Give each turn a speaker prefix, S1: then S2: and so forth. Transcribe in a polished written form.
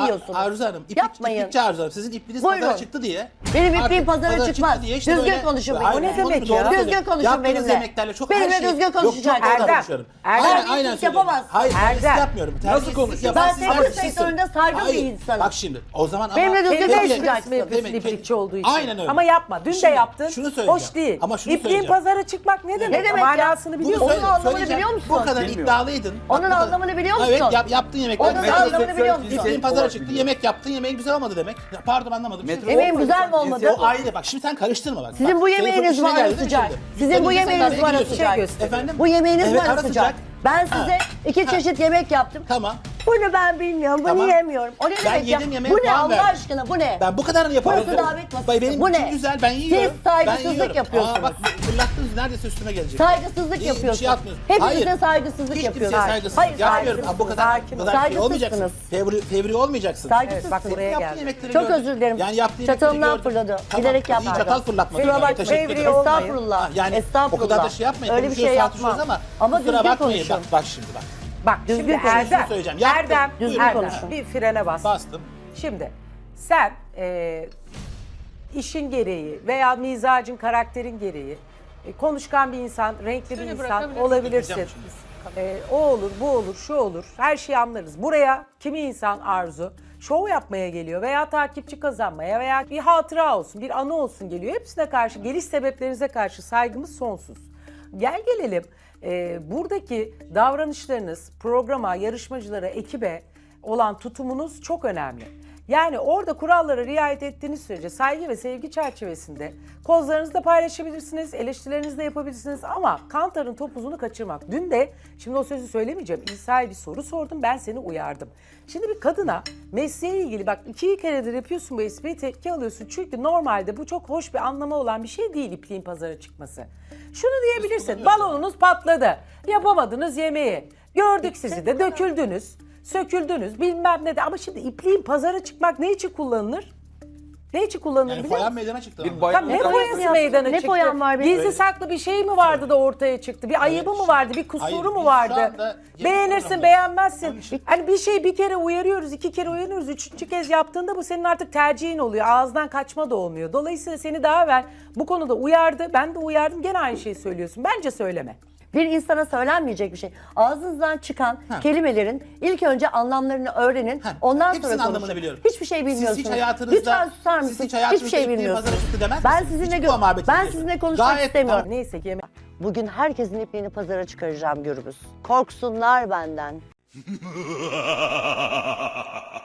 S1: yiyorsunuz.
S2: Arzu Hanım,
S1: Yapmayın.
S2: iplikçi Arzu Hanım. Sizin ipliğiniz
S1: Buyurun.
S2: pazara çıktı diye.
S1: Benim ipliğim
S2: Artık
S1: pazara
S2: çıktı
S1: çıkmaz.
S2: diye işte
S1: Düzgün
S2: böyle-
S1: konuşun
S2: Hayır,
S1: benimle.
S2: onu
S3: demek
S2: doğru
S3: ya?
S2: söylüyorum.
S1: Düzgün konuşun
S2: Yaptığınız
S1: benimle.
S2: yemeklerle çok
S1: Benimle
S2: her şey...
S1: düzgün konuşacaksınız.
S2: Yok, çok doğru
S3: Erdem,
S2: konuşuyorum.
S3: Erdem.
S2: Aynen
S1: Terbiyesizlik
S2: söylüyorum.
S1: yapamazsın.
S2: Hayır, terbiyesizlik
S3: Erdem.
S2: yapmıyorum.
S3: Nasıl
S2: Terbiyesizlik
S3: konuşuyorsun?
S2: yaparsın.
S1: Ben sektör
S2: Terbiyesizsin.
S1: sektöründe saygı bir
S2: Hayır,
S1: insanım.
S2: bak şimdi o zaman ama...
S1: Benimle düzgün
S3: Kendi
S1: konuşacaksın.
S3: yapıyorsun iplikçi olduğu için.
S2: Aynen öyle.
S3: Ama yapma. Dün de
S2: Şimdi
S3: yaptın.
S2: şunu söyleyeceğim.
S3: Hoş değil.
S2: Ama şunu
S3: İpliğin
S2: söyleyeceğim.
S3: pazara çıkmak ne demek?
S1: Ne demek ya?
S3: Manasını
S2: Bunu
S3: biliyor
S1: Onun
S3: musun?
S1: anlamını
S2: söyleyeceğim.
S1: biliyor musun?
S2: Bu kadar iddialıydın.
S1: Onun
S2: Bak, bu kadar-
S1: anlamını biliyor
S2: Evet,
S1: musun?
S2: yaptığın yemekler.
S1: Onun anlamını biliyor musun?
S2: İpliğin pazara çıktı, yemek yaptın, yemeğin güzel olmadı demek. Ya, pardon anlamadım.
S1: Yemeğim güzel mi olmadı?
S2: O ayrı bak, şimdi sen karıştırma bak.
S1: Sizin
S2: Bak,
S1: bu
S2: telefon
S1: yemeğiniz
S2: işine
S1: var
S2: geldi
S1: sıcak.
S2: şimdi.
S1: Sizin bu
S2: Sen
S1: yemeğiniz
S2: araya
S1: var
S2: giriyorsun.
S1: sıcak.
S2: Efendim?
S1: Bu yemeğiniz
S2: Evet,
S1: var
S2: ara
S1: sıcak. Ben size
S2: Ha.
S1: 2 çeşit yemek yaptım.
S2: Tamam.
S1: Bunu ben bilmiyorum, bunu
S2: Tamam.
S1: yemiyorum. O ne
S2: Ben
S1: demek ya?
S2: yedim, yemeğe
S1: Bu ne
S2: puan
S1: Allah
S2: verdim.
S1: aşkına, bu ne?
S2: Ben bu kadarını yaparım.
S1: Burası davet masası.
S2: Benim
S1: Bu
S2: için
S1: ne?
S2: güzel, ben yiyorum.
S1: Siz saygısızlık
S2: Ben yiyorum.
S1: yapıyorsunuz.
S2: Aa, bak fırlattınız, neredeyse üstüme gelecek.
S1: Saygısızlık
S2: Bir şey
S1: yapıyorsunuz.
S2: yapmıyorsun.
S1: Hepinize
S2: Hayır.
S1: saygısızlık
S2: Hiç
S1: yapıyorsunuz.
S2: kimseye saygısızlık
S1: Hayır,
S2: yapmıyorum.
S1: saygısızsınız.
S2: Bu kadar,
S3: Sakin
S2: bu
S3: ol.
S2: kadar şey olmayacaksın.
S1: Saygısızsınız.
S2: Fevri olmayacaksın.
S1: Saygısızsınız.
S3: Evet, bak buraya
S2: Yaptığın
S3: geldi.
S2: yemekleri
S1: Çok
S2: gördüm.
S1: özür dilerim.
S2: Yani yaptığın yemekleri
S1: Çatalımdan
S2: gördüm.
S1: fırladı.
S2: Tamam.
S1: Bilerek
S2: İyi,
S1: yapmadım.
S2: çatal fırlatma.
S1: Kusura
S2: Teşekkür
S1: bakmayın.
S2: ederim.
S1: Estağfurullah.
S2: Ha, yani
S1: Estağfurullah.
S2: o kadar da şey yapmayın.
S1: Öyle bir şey
S2: Konuşuyoruz, tartışıyoruz
S1: yapmam.
S2: ama
S1: Ama
S2: kusura
S1: düzgün
S2: bakmayın.
S1: konuşun.
S2: Bak şimdi bak.
S3: Bak
S1: Düzgün
S3: şimdi
S1: konuşun.
S3: Erdem,
S2: söyleyeceğim. Yaptım.
S3: Erdem,
S1: Düzgün
S3: Erdem,
S1: konuşun.
S3: bir frene bas.
S2: Bastım.
S3: Şimdi sen işin gereği veya mizacın, karakterin gereği konuşkan bir insan, renkli bir insan olabilirsin.
S2: Yapacağım
S3: O olur, bu olur, şu olur. Her şeyi anlarız. Buraya kimi insan Arzu şov yapmaya geliyor veya takipçi kazanmaya veya bir hatıra olsun, bir anı olsun geliyor. Hepsine karşı, geliş sebeplerinize karşı saygımız sonsuz. Gel gelelim buradaki davranışlarınız, programa, yarışmacılara, ekibe olan tutumunuz çok önemli. Yani orada kurallara riayet ettiğiniz sürece saygı ve sevgi çerçevesinde kozlarınızı da paylaşabilirsiniz, eleştirilerinizi de yapabilirsiniz ama kantarın topuzunu kaçırmak. Dün de, şimdi o sözü söylemeyeceğim, İsa'ya bir soru sordum, ben seni uyardım. Şimdi bir kadına mesleğe ilgili, bak 2 keredir yapıyorsun bu espriyi, tepki alıyorsun. Çünkü normalde bu çok hoş bir anlamı olan bir şey değil ipliğin pazara çıkması. Şunu diyebilirsin, balonunuz patladı, yapamadınız yemeği, gördük sizi de döküldünüz. Söküldünüz bilmem ne de ama şimdi ipliğin pazara çıkmak ne için kullanılır? Ne için kullanılır
S2: Yani
S3: biliyor
S2: foyan
S3: musun?
S2: meydana çıktı.
S4: Bir
S2: ama.
S4: bayan-
S3: Tam ne
S1: foyan
S3: foyası
S1: yaptın?
S3: meydana
S1: Ne
S3: çıktı?
S1: foyan var benim?
S3: Gizli saklı bir şey mi vardı da ortaya çıktı? Bir ayıbı mı vardı? Bir kusuru
S2: Hayır,
S3: mu
S2: biz şu
S3: vardı?
S2: anda yemek
S3: Beğenirsin,
S2: programındayız.
S3: beğenmezsin.
S2: Onun için-
S3: Hani bir şey bir kere uyarıyoruz, 2 kere uyarıyoruz, 3. kez yaptığında bu senin artık tercihin oluyor. Ağızdan kaçma da olmuyor. Dolayısıyla seni daha evvel bu konuda uyardı. Ben de uyardım. Gene aynı şeyi söylüyorsun. Bence söyleme.
S1: Bir insana söylenmeyecek bir şey. Ağzınızdan çıkan kelimelerin ilk önce anlamlarını öğrenin. Ondan
S2: Hepsinin
S1: sonra
S2: anlamını
S1: konuşun.
S2: biliyorum.
S1: Hiçbir şey bilmiyorsunuz.
S2: Siz hiç hayatınızda...
S1: Lütfen susar
S2: siz
S1: mısınız?
S2: hiç hayatınızda
S1: Hiçbir şey
S2: ipliğin
S1: bilmiyorsunuz.
S2: pazara çıktı demez
S1: Ben
S2: misiniz?
S1: sizinle
S2: Hiç bu muhabbeti
S1: ben
S2: değil.
S1: sizinle konuşmak
S2: Gayet
S1: istemiyorum.
S2: tamam.
S3: Neyse ki yemek.
S1: Bugün herkesin ipliğini pazara çıkaracağım Gürbüz. Korksunlar benden.